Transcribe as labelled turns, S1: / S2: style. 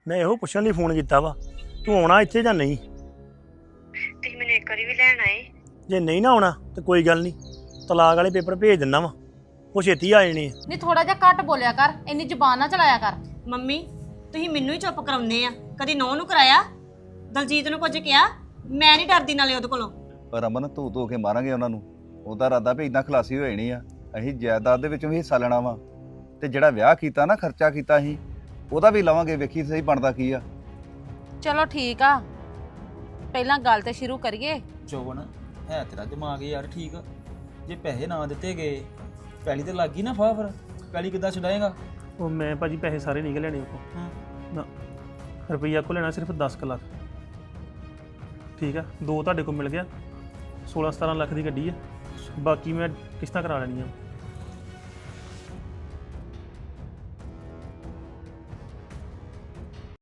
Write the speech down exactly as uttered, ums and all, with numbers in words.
S1: ਮੈਂ ਇਹੋ ਪੁੱਛਣ ਲਈ ਫੋਨ ਕੀਤਾ ਵਾ ਤੂੰ ਆਉਣਾ ਇੱਥੇ ਜਾਂ ਨਹੀਂ?
S2: ਤੁਸੀਂ ਮੈਨੂੰ ਇੱਕ ਵਾਰੀ ਵੀ ਲੈਣ ਆਏ।
S1: ਜੇ ਨਹੀਂ ਨਾ ਆਉਣਾ ਤੇ ਕੋਈ ਗੱਲ ਨਹੀਂ, ਤਲਾਕ ਵਾਲੇ ਪੇਪਰ ਭੇਜ ਦਿੰਦਾ ਵਾ, ਉਹ ਛੇਤੀ ਆ ਜਾਣੇ ਆ।
S3: ਨਹੀਂ ਥੋੜਾ ਜਿਹਾ ਘੱਟ ਬੋਲਿਆ ਕਰ, ਇੰਨੀ ਜ਼ੁਬਾਨ ਨਾ ਚਲਾਇਆ ਕਰ।
S2: ਮੰਮੀ ਤੁਸੀਂ ਮੈਨੂੰ ਹੀ ਚੁੱਪ ਕਰਾਉਂਦੇ ਆ, ਕਦੀ ਨੌ ਨੂੰ ਕਰਾਇਆ, ਦਲਜੀਤ ਨੂੰ ਕੁਝ ਕਿਹਾ? ਮੈਂ ਨਹੀਂ ਡਰਦੀ ਨਾਲੇ ਉਹਦੇ ਕੋਲੋਂ।
S4: ਪਰ ਅਮਨ ਧੂ ਧੂ ਕੇ ਮਾਰਾਂਗੇ ਉਹਨਾਂ ਨੂੰ। ਉਹਦਾ ਇਰਾਦਾ ਵੀ ਇਦਾਂ ਖਲਾਸੀ ਹੋ ਜਾਣੀ ਆ, ਅਸੀਂ ਜਾਇਦਾਦ ਦੇ ਵਿੱਚੋਂ ਵੀ ਹਿੱਸਾ ਲੈਣਾ ਵਾ, ਤੇ ਜਿਹੜਾ ਵਿਆਹ ਕੀਤਾ ਨਾ, ਖਰਚਾ ਕੀਤਾ ਅਸੀਂ, ਉਹਦਾ ਵੀ ਲਵਾਂਗੇ। ਵੇਖੀ ਸਹੀ ਬਣਦਾ ਕੀ ਆ।
S3: ਚਲੋ ਠੀਕ ਆ, ਪਹਿਲਾਂ ਗੱਲ ਤੇ ਸ਼ੁਰੂ ਕਰੀਏ।
S5: ਜੋਬਨ ਹੈ ਤੇਰਾ ਦਿਮਾਗ ਯਾਰ ਠੀਕ ਆ, ਜੇ ਪੈਸੇ ਨਾ ਦਿੱਤੇ ਗਏ ਪੈਲੀ ਤੇ ਲੱਗ ਗਈ ਨਾ ਫਾਹ, ਫਿਰ ਪੈਲੀ ਕਿੱਦਾਂ ਛਡਾਏਗਾ?
S1: ਉਹ ਮੈਂ ਭਾਜੀ ਪੈਸੇ ਸਾਰੇ ਨਿਕਲ ਲੈਣੇ ਉਹ
S5: ਹਾਂ
S1: ਨਾ, ਰੁਪਈਆ ਕੋ ਲੈਣਾ ਸਿਰਫ ਦਸ ਕੁ ਲੱਖ। ਠੀਕ ਆ, ਦੋ ਤੁਹਾਡੇ ਕੋਲ ਮਿਲ ਗਿਆ, ਸੋਲਾਂ ਸਤਾਰਾਂ ਲੱਖ ਦੀ ਗੱਡੀ ਆ, ਬਾਕੀ ਮੈਂ ਕਿਸ਼ਤਾਂ ਕਰਾ ਲੈਣੀਆਂ।